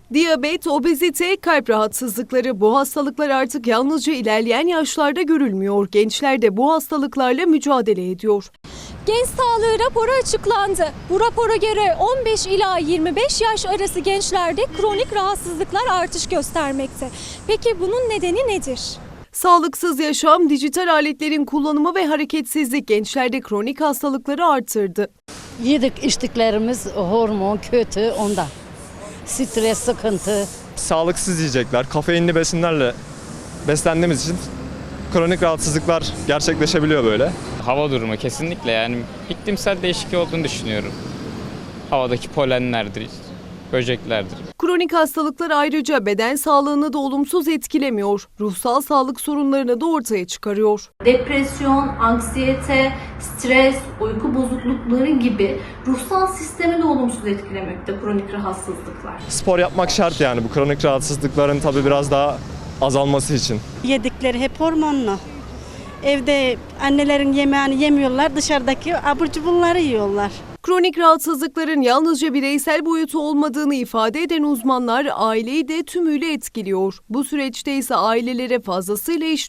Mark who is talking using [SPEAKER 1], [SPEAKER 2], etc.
[SPEAKER 1] Diyabet, obezite, kalp rahatsızlıkları bu hastalıklar artık yalnızca ilerleyen yaşlarda görülmüyor. Gençler de bu hastalıklarla mücadele ediyor.
[SPEAKER 2] Genç sağlığı raporu açıklandı. Bu rapora göre 15 ila 25 yaş arası gençlerde kronik rahatsızlıklar artış göstermekte. Peki bunun nedeni nedir?
[SPEAKER 1] Sağlıksız yaşam, dijital aletlerin kullanımı ve hareketsizlik gençlerde kronik hastalıkları artırdı.
[SPEAKER 3] Yedik içtiklerimiz hormon kötü ondan. Stres, sıkıntı.
[SPEAKER 4] Sağlıksız yiyecekler, kafeinli besinlerle beslendiğimiz için kronik rahatsızlıklar gerçekleşebiliyor böyle.
[SPEAKER 5] Hava durumu kesinlikle, yani iklimsel değişiklik olduğunu düşünüyorum. Havadaki polenlerdir, böceklerdir.
[SPEAKER 1] Kronik hastalıklar ayrıca beden sağlığını da olumsuz etkilemiyor. Ruhsal sağlık sorunlarını da ortaya çıkarıyor.
[SPEAKER 6] Depresyon, anksiyete, stres, uyku bozuklukları gibi ruhsal sistemi de olumsuz etkilemekte kronik rahatsızlıklar.
[SPEAKER 4] Spor yapmak şart yani bu kronik rahatsızlıkların tabii biraz daha azalması için.
[SPEAKER 7] Yedikleri hep hormonlu. Evde annelerin yemeğini yemiyorlar, dışarıdaki abur cuburları yiyorlar.
[SPEAKER 1] Kronik rahatsızlıkların yalnızca bireysel boyutu olmadığını ifade eden uzmanlar aileyi de tümüyle etkiliyor. Bu süreçte ise ailelere fazlasıyla iş